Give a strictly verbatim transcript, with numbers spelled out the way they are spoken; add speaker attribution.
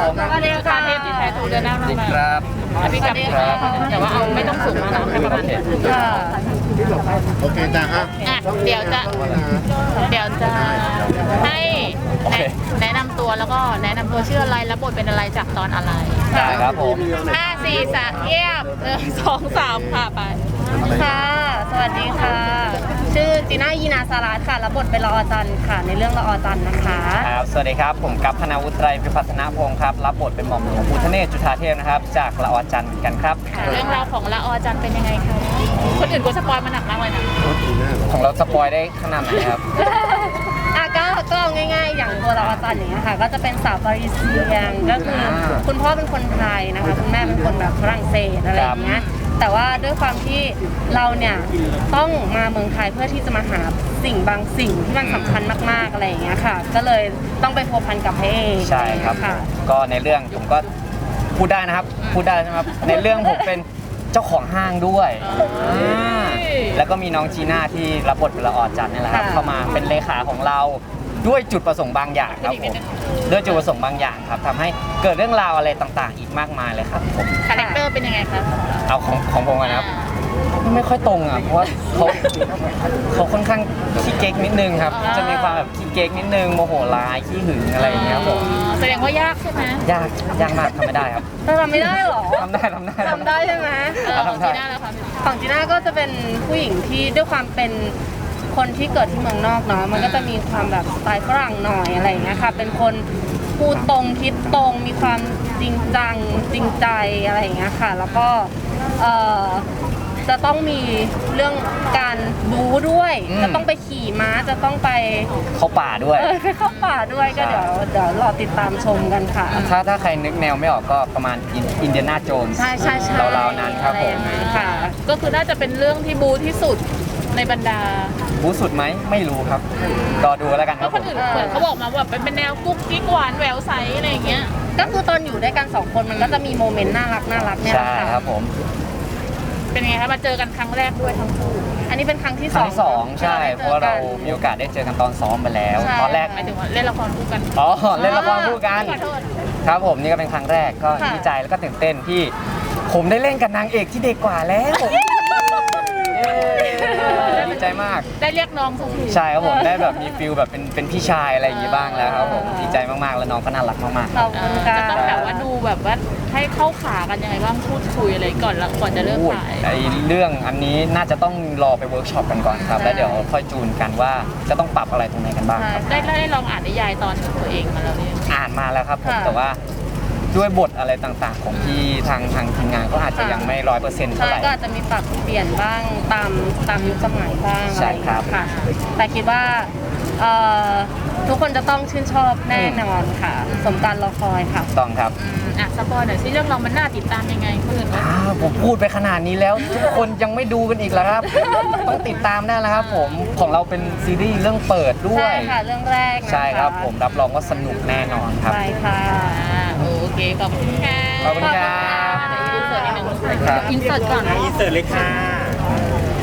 Speaker 1: ผมสวัสดีค่ะเทพที่แท้ถูกเดินหน้ามาครับพี่กับครับแต่ว่าเอาไม่ต้องสูงมากนะแค่ประมาณนี้ค่ะ
Speaker 2: โอเคจ้าอ่ะ
Speaker 1: อ่ะเดี๋ยวจะเดี๋ยวจะให้แนะนำตัวแล้วก็แนะนำตัวชื่ออะไรและบทเป็นอะไรจากตอนอะไร
Speaker 3: ได้ครับผม
Speaker 1: ห้าสี่สามเยี่ยมหนึ่งสองสามค่ะไป
Speaker 4: ค่ะสวัสดีค่ะ ชื่อจีน่ายีนาสารัตค่ะรับบทเป็นละออจันค่ะในเรื่องละออจันนะคะ
Speaker 3: ครับสวัสดีครับผมกัปพนาวุฒิไตรพิพัฒนพงศ์ครับรับบทเป็นหม่อมหลวงพุทธเนศจุฑาเทพนะครับจากละออจันกันครับ
Speaker 1: เรื่องราวของละออจันเป็นยังไงคะคนอื่นกูสปอยมาหนักมากเลยนะ
Speaker 3: ของเราสปอยได้ขนาดไหนครับ
Speaker 4: อ่ะก็ก็ง่ายๆอย่างตัวละออจันอย่างเงี้ยค่ะก็จะเป็นสาวปารีเซียนก็คือคุณพ่อเป็นคนไทยนะคะคุณแม่เป็นคนแบบฝรั่งเศสอะไรอย่างเงี้ยแต่ว่าด้วยความที่เราเนี่ยต้องมาเมืองไทยเพื่อที่จะมาหาสิ่งบางสิ่งที่มันสำคัญมากๆอะไรอย่างเงี้ยค่ะก็เลยต้องไปพัวพันกับพระเอก
Speaker 3: ใช่ครับก็ในเรื่องผมก็พูดได้นะครับพูดได้ใช่ไหมครับในเรื่องผมเป็นเจ้าของห้างด้วยแล้วก็มีน้องจีน่าที่รับบทเป็นละออจันนี่แหละครับเข้ามาเป็นเลขาของเราด้วยจุดประสงค์บางอย่างครับผมด้วยจุดประสงค์บางอย่างครับทำให้เกิดเรื่องราวอะไรต่างๆ อีกมากมายเลยครับผม
Speaker 1: คาแรคเตอร์เป็นยังไงครับ
Speaker 3: เอาของของผมนะครับไม่ค่อยตรงอ่ะเพราะว่าเขาเขาค่อนข้างขี้เก๊กนิดนึงครับจะมีความแบบขี้เก๊กนิดนึงโมโหร้ายขี้หึงอะไรอย่างเงี้ยผม
Speaker 1: แสดงว่ายากใช่ไหม
Speaker 3: ยากยากมากทำไม่ได้ครับ
Speaker 4: ทำไม่ได้หรอ
Speaker 3: ทำได้ทำได้
Speaker 4: ทำได้ใช่ไหม
Speaker 1: ของจีน่าแล้วครับ
Speaker 4: ของจีน่าก็จะเป็นผู้หญิงที่ด้วยความเป็นคนที่เกิดที่เมืองนอกเนาะมันก็จะมีความแบบสไตล์ฝรั่งหน่อยอะไรอย่างเงี้ยค่ะเป็นคนพูดตรงคิดตรงมีความจริงจังจริงใจอะไรอย่างเงี้ยค่ะแล้วก็เอ่อจะต้องมีเรื่องการบู๊ด้วยจะต้องไปขี่ม้าจะต้องไป
Speaker 3: เข้าป่าด้วย
Speaker 4: ไปเข้าป่าด้วยก็เดี๋ยวเดี๋ยวรอติดตามชมกันค่ะ
Speaker 3: ถ้าถ้าใครนึกแนวไม่ออกก็ประมาณอินเดียนาโจนส์
Speaker 4: ใช่ใช่ใช่
Speaker 3: ราวๆนั้นครับผม
Speaker 4: ค่ะ
Speaker 1: ก็คือน่าจะเป็นเรื่องที่บู๊ที่สุดในบรรดา
Speaker 3: บู๊สุดไหมไม่รู้ครับรอดูแล้วกันครับ
Speaker 1: คนอื่นเหมือนเขาบอกมาว่าเป็นแนวกุ๊กกิ๊กหวานแหววใสอะไรอย่างเงี้ย
Speaker 4: ก็คือตอนอยู่ด้วยกันสองคนมันก็จะมีโมเมนต์น่ารักน่ารักเนี่ย
Speaker 3: ใช่ครับผม
Speaker 1: เป็นไงคะมาเจอกันครั้งแรกด้วยทั้งคู่
Speaker 4: อันนี้เป็นครั้งที่
Speaker 3: สองสองใช่เพราะว่าเรามีโอกาสได้เจอกันตอนซ้อมไปแล้วตอนแรก
Speaker 1: หมายถึงว่าเล่นละครคู่กัน
Speaker 3: อ๋อเล่นละครคู่กันครับผมนี่ก็เป็นครั้งแรกก็ดีใจแล้วก็ตื่นเต้นที่ผมได้เล่นกับนางเอกที่เด็กกว่าแล้วดีใจมาก
Speaker 1: ได้เรียกน้องสักที
Speaker 3: ใช่ครับผมได้แบบมีฟิลแบบเป็นเป็นพี่ชายอะไรอย่างงี้บ้างแล้วครับผมดีใจมากๆแล้วน้องก็น่ารักมาก
Speaker 4: ๆขอบคุณค่ะ
Speaker 1: จะต้องแบบว่าดูแบบว่าให้เข้าขากันยังไงบ้างพูดคุยอะไรก่อนแล้วก่อนจะเริ่มถ่าย
Speaker 3: ไอ้เรื่องอันนี้น่าจะต้องรอไปเวิร์กช็อปกันก่อนครับแล้วเดี๋ยวค่อยจูนกันว่าจะต้องปรับอะไรตรงไหนกันบ้าง
Speaker 1: ได้ได้ลองอ่านนิยายตอนตัวเองมาแล้วเนี่ย
Speaker 3: อ่านมาแล้วครับผมแต่ว่าด้วยบทอะไรต่างๆของที่ทางทางทีมงานก็อาจจะยังไม่ร้อยเปอร์เซ็นต์เท่าไหร่
Speaker 4: ก็อาจจะมีปรับเปลี่ยนบ้างตามตามยุคสมัยบ้าง
Speaker 3: ใช่ครับ
Speaker 4: ค่ะแต่คิดว่าทุกคนจะต้องชื่นชอบแน่นอนค่ะสมการรอคอยค่ะ
Speaker 3: ต้องครับ
Speaker 1: อ่ะสปอยหน่อยสิเรื่องเรามันน่าติดตามยังไงเพื่อน
Speaker 3: ผมพูดไปขนาดนี้แล้วทุกคนยังไม่ดูกันอีกแล้วครับต้องติดตามได้แล้วครับผมของเราเป็นซีรีส์เรื่องเปิดด้วย
Speaker 4: ใช่ค่ะเรื่องแรก
Speaker 3: ใช่ครับผมรับรองว่าสนุกแน่นอนครับ
Speaker 4: ใช่ค่ะ
Speaker 1: โอเคขอบคุณค่ะ
Speaker 3: ขอบคุณครับ
Speaker 1: อินเสิร์ตนิดนึงอินเสิร์ตก่อน
Speaker 2: อินเสิร์ตเลยค่ะ